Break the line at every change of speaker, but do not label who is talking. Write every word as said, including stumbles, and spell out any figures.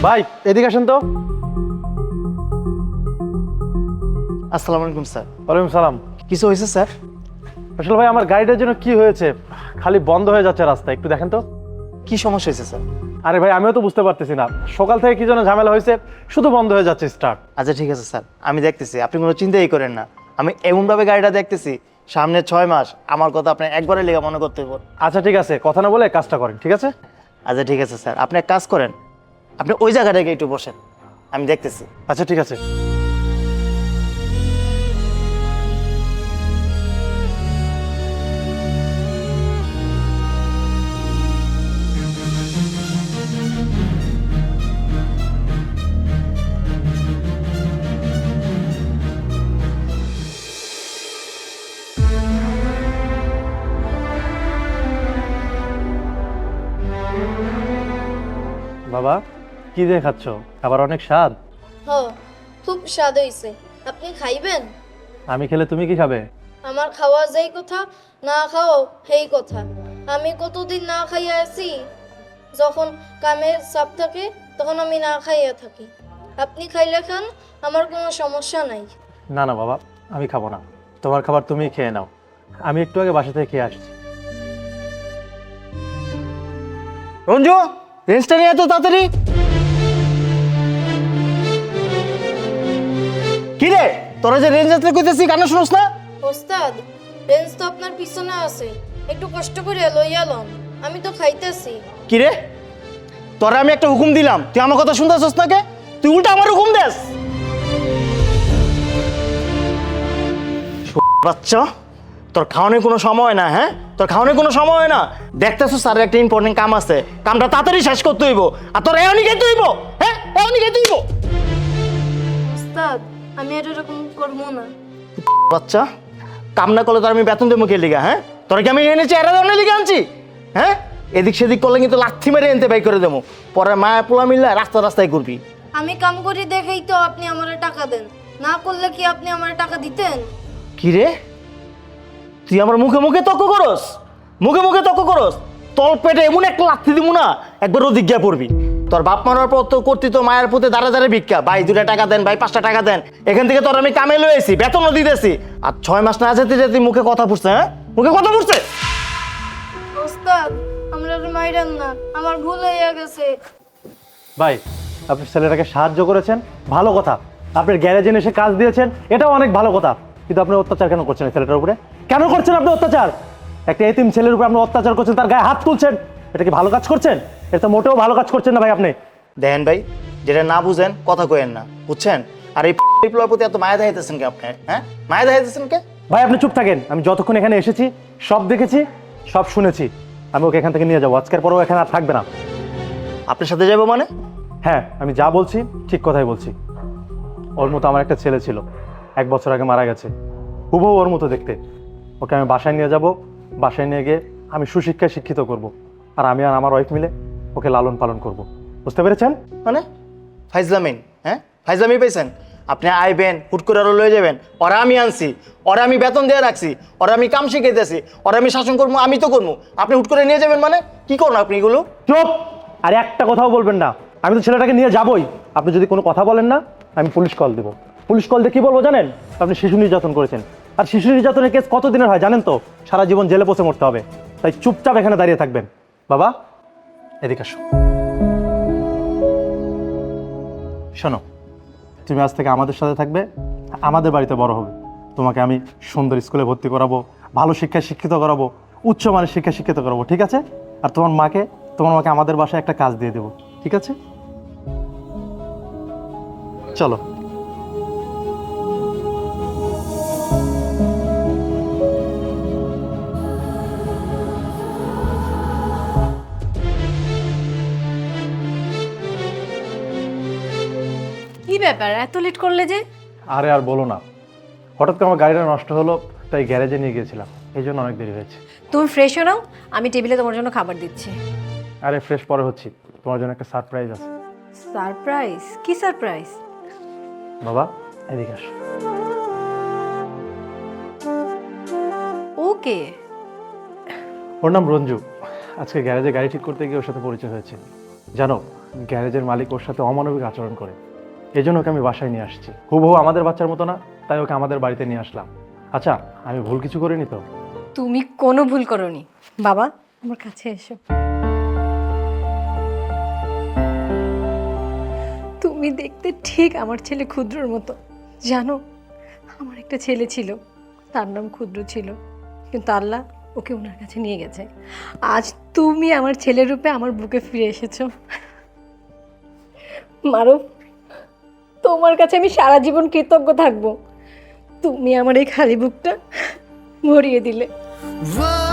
ভাই এদিকে আসেন তো।
আসসালামু আলাইকুম স্যার।
ওয়ালাইকুম সালাম।
কিছু হয়েছে স্যার?
আসলে ভাই আমার গাড়িটার জন্য কি হয়েছে, খালি বন্ধ হয়ে যাচ্ছে রাস্তা, একটু দেখেন তো।
কি সমস্যা হয়েছে স্যার?
আরে ভাই আমিও তো বুঝতে পারতেছি না, সকাল থেকে কি যেন ঝামেলা হয়েছে, শুধু বন্ধ হয়ে যাচ্ছে স্টার্ট।
আচ্ছা ঠিক আছে স্যার, আমি দেখতেছি, আপনি কোনো চিন্তাই করেন না। আমি এমনভাবে গাড়িটা দেখতেছি, সামনে ছয় মাস আমার কথা আপনি একবারে লেগে মনে করতে পারেন।
আচ্ছা ঠিক আছে, কথা না বলে কাজটা করেন, ঠিক আছে?
আচ্ছা ঠিক আছে স্যার, আপনি এক কাজ করেন, আপনি ওই জায়গাটাকে একটু বসেন, আমি দেখতেছি।
আচ্ছা ঠিক আছে। বাবা কি দিয়ে খাচ্ছ, খাবার অনেক স্বাদ।
হ, খুব স্বাদ হইছে। আপনি খাইবেন?
আমি খেলে তুমি কি খাবে?
আমার খাওয়া যেই কথা, না খাওয়াও সেই কথা। আমি কতদিন না খাইয়া আছি, যখন কামের চাপ থাকে তখন আমি না খাইয়া থাকি। আপনি খাইলে খান, আমার কোনো সমস্যা নাই।
না না বাবা, আমি খাবো না, তোমার খাবার তুমি খেয়ে নাও, আমি একটু আগে বাসা থেকে খেয়ে আসছি।
রঞ্জু, রেঞ্জটা নিয়ে এত তাড়াতাড়ি কি রে? তোরা যে রেঞ্জ আসলে কইতেছি কানে শুনোস না?
ওস্তাদ, রেঞ্জ তো আপনার পিছনে আছে, একটু কষ্ট করে লইয়া লন, আমি তো খাইতেছি।
কি রে, তোরা আমি একটা হুকুম দিলাম, তুই আমার কথা শুনতেছস না কে? তুই উল্টা আমার হুকুম দেস। বাচ্চা, তোর খাওয়ানোর কোনো সময় না। হ্যাঁ, তোর খাওয়ানোর কোনো সময় হয় না। দেখতেছস স্যারের একটা ইম্পর্টেন্ট কাম আছে, কামটা তাড়াতাড়ি শেষ করতে হইব। আর তোর এমনি খেতে হইব। হ্যাঁ, এমনি খেতে হইব।
ওস্তাদ, আমি আর এরকম করবো না।
বাচ্চা, কাম না করলে তোর আমি বেতন দেবো কে লিগা? হ্যাঁ, তোর কি আমি এনেছি এরা ধরনের লিগা আনছি? হ্যাঁ, এদিক সেদিক করলে কিন্তু লাথি মেরে এনতে বাই করে দেবো। পরে মায়া পোলা মিললে রাস্তা রাস্তায় করবি।
আমি কাম করি দেখেই তো আপনি আমারে টাকা দেন, না করলে কি আপনি আমারে টাকা দিতেন?
কি রে, তুই আমার মুখে মুখে তর্ক করস? মুখে মুখে তর্ক করস? তোর পেটে এমন একটা লাথি দিব না, একবার অধিজ্ঞা পড়বি। তোর বাপ মারার পর তো করতি তো মায়ের পুঁতে দাঁড়া দাঁড়ে ভিক্ষা, ভাই দুটা টাকা দেন, ভাই পাঁচটা টাকা দেন। এখান থেকে তোর আমি কামে লয়েছি, বেতনও দিতেছি। আর ছয় মাস না যেতে যেতে মুখে কথা ফুটছে। হ্যাঁ, মুখে কথা ফুটছে।
ওস্তাদ, আমরা মাইরান না, আমার ভুল হইয়া গেছে।
ভাই আপনি ছেলেটাকে সাহায্য করেছেন, ভালো কথা। আপনার গ্যারেজে এসে কাজ দিয়েছেন, এটাও অনেক ভালো কথা। কিন্তু আপনি অত্যাচার কেন করছেন এই ছেলেটার উপরে? কেন করছেন আপনি অত্যাচার? একটা এতিম ছেলের উপরে আপনি অত্যাচার করছেন, তার গায়ে হাত তুলছেন, এটা কি ভালো কাজ করছেন? এটা তো মোটেও ভালো কাজ করছেন না ভাই আপনি।
দেখেন ভাই, যেটা না বুঝেন কথা কইেন না, বুঝছেন? আর এই বিপ্লবের প্রতি এত মায়া দেখাইতেছেন কে আপনি? হ্যাঁ, মায়া দেখাইতেছেন কে?
ভাই আপনি চুপ থাকেন, আমি যতক্ষণ এখানে এসেছি সব দেখেছি, সব শুনেছি। আমি ওকে এখান থেকে নিয়ে যাবো, আজকের পরেও এখানে আর থাকবে না।
আপনার সাথে যাবো মানে?
হ্যাঁ, আমি যা বলছি ঠিক কথাই বলছি। ওর মতো আমার একটা ছেলে ছিল, এক বছর আগে মারা গেছে, হুবহু ওর মতো দেখতে। ওকে আমি বাসায় নিয়ে যাব, বাসায় নিয়ে গিয়ে আমি সুশিক্ষায় শিক্ষিত করব, আর আমি আর আমার ওয়াইফ মিলে ওকে লালন পালন করব। বুঝতে পেরেছেন?
মানে ফাইজলামিন? হ্যাঁ, ফাইজলামি পাইছেন? আপনি আইবেন, হুট করে আরো লয়ে যাবেন। ওরা আমি আনছি, ওরা আমি বেতন দিয়ে রাখছি, ওরা আমি কাম শিখাইতেছি, ওরা আমি শাসন করবো, আমি তো করবো। আপনি হুট করে নিয়ে যাবেন মানে কি করুন আপনি এগুলো?
চুপ! আর একটা কথাও বলবেন না। আমি তো ছেলেটাকে নিয়ে যাবই, আপনি যদি কোনো কথা বলেন না আমি পুলিশ কল দেবো। পুলিশ কল দিয়ে কী বলবো জানেন? আপনি শিশু নির্যাতন করেছেন, আর শিশু নির্যাতনের কেস কত দিনের হয় জানেন তো? সারা জীবন জেলে বসে মরতে হবে। তাই চুপচাপ এখানে দাঁড়িয়ে থাকবেন। বাবা এদিকে আসো। শোনো, তুমি আজ থেকে আমাদের সাথে থাকবে, আমাদের বাড়িতে বড় হবে। তোমাকে আমি সুন্দর স্কুলে ভর্তি করাবো, ভালো শিক্ষায় শিক্ষিত করাবো, উচ্চমানের শিক্ষা শিক্ষিত করাবো, ঠিক আছে? আর তোমার মাকে তোমার মাকে আমাদের বাসায় একটা কাজ দিয়ে দেবো, ঠিক আছে? চলো।
কি ব্যাপার, এত লেট করলে যে?
আরে আর বলো না, হঠাৎ করে আমার গাড়িটা নষ্ট হলো, তাই গ্যারেজে নিয়ে গিয়েছিলাম, এই জন্য অনেক দেরি হয়েছে।
তুমি ফ্রেশ হয়ে নাও, আমি টেবিলে তোমার জন্য খাবার দিচ্ছি।
আরে ফ্রেশ পরে হচ্ছি, তোমার জন্য একটা সারপ্রাইজ আছে।
সারপ্রাইজ? কি সারপ্রাইজ?
বাবা এদিকে আসো।
ওকে,
ওর নাম রঞ্জু। আজকে গ্যারেজে গাড়ি ঠিক করতে গিয়ে ওর সাথে পরিচয় হয়েছে। জানো, গ্যারেজের মালিক ওর সাথে অমানবিক আচরণ করে। এই জন্য ওকে আমি বাসায় নিয়ে আসছি। হুবহু আমাদের বাচ্চার মতো না, তাই ওকে আমাদের বাড়িতে নিয়ে আসলাম। আচ্ছা, আমি ভুল কিছু করিনি তো?
তুমি কোনো ভুল করোনি। বাবা, আমার কাছে এসো। তুমি দেখতে ঠিক আমার ছেলে ক্ষুদ্রর মতো। জানো, আমার একটা ছেলে ছিল, তার নাম ক্ষুদ্র ছিল, কিন্তু আল্লাহ ওকে ওনার কাছে নিয়ে গেছে। আজ তুমি আমার ছেলের রূপে আমার বুকে ফিরে এসেছো। মারুফ, তোমার কাছে আমি সারা জীবন কৃতজ্ঞ থাকবো। তুমি আমার এই খালি বুকটা ভরিয়ে দিলে।
Whoa.